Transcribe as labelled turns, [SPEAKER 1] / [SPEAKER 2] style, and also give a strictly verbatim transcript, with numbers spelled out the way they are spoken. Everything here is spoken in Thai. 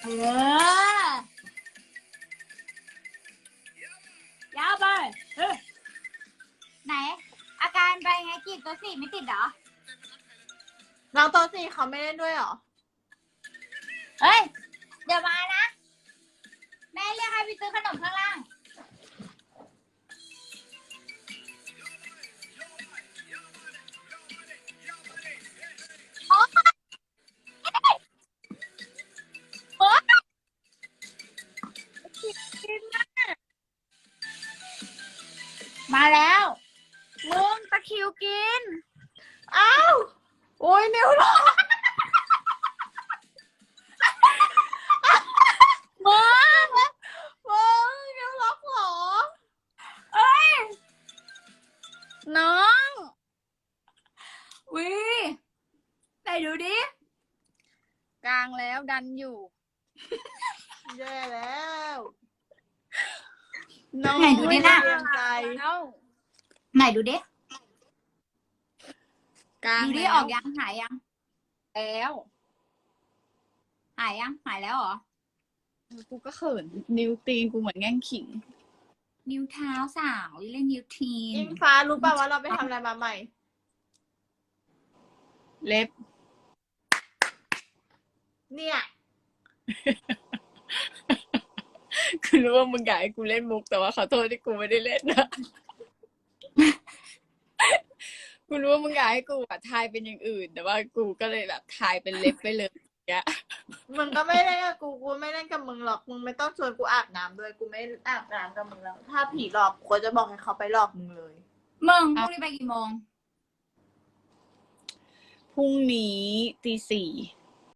[SPEAKER 1] เออยาวไปเออไหน อาการไปไงจีบตัวสี่ไม่ติดเหรอ
[SPEAKER 2] น้องตัวสี่เขาไม่เล่นด้วยเหรอ
[SPEAKER 1] เฮ้ย เดี๋ยวมานะ แม่เรียกให้ไปซื้อขนมข้างล่างโอ๊ยโอ๊ยมาแล้ว
[SPEAKER 3] มึงตะคริวกิน
[SPEAKER 2] อ้าว โอ้ยนิ้วหรอ
[SPEAKER 1] มึง
[SPEAKER 2] มึงนิ้วล็อกเหรอ
[SPEAKER 1] เอ้ย
[SPEAKER 3] น้อง
[SPEAKER 1] วิไหนดูดิ
[SPEAKER 3] กลางแล้วดันอยู่
[SPEAKER 2] แย่แล้ว
[SPEAKER 3] น้อง
[SPEAKER 1] ไหนดูดิน่ะ
[SPEAKER 2] เตรียมใจ
[SPEAKER 3] แล้ว
[SPEAKER 1] ไหนดูดิ
[SPEAKER 3] กลาง
[SPEAKER 1] ดูดิ
[SPEAKER 3] แล้ว
[SPEAKER 1] ออกยังหายยัง
[SPEAKER 3] แล้ว
[SPEAKER 1] หายยังหายแล้วเหรอ
[SPEAKER 3] กูก็เขินนิ้วตีนกูเหมือนแง่งขิง
[SPEAKER 1] นิ้วเท้าสาวเล่นนิ้วทีน
[SPEAKER 2] อิงฟ้ารู้ป่าวว่าเราไปทำอะไรมาใหม่
[SPEAKER 3] เล็บ
[SPEAKER 2] เนี่ย
[SPEAKER 3] คือรู้ว่ามึงอยากให้กูเล่นมุกแต่ว่าขอโทษที่กูไม่ได้เล่นนะ กูรู้ว่ามึงอยากให้กูแบบทายเป็นอย่างอื่น แต่ว่ากูก็เลยแบบทายเป็นเล็บไปเลยอย่างเงี้ย
[SPEAKER 2] มึงก็ไม่เล่นกับกู กูไม่เล่นกับมึงหรอก มึงไม่ต้องชวนกูอาบน้ำด้วย กูไม่อาบน้ำกับมึงแล้ว ถ้าผีหลอกกูก็จะบอกให้เขาไปหลอกมึงเลย
[SPEAKER 1] มึงพรุ่งนี้ไปกี่โมง
[SPEAKER 3] พรุ่งนี้ตีสี่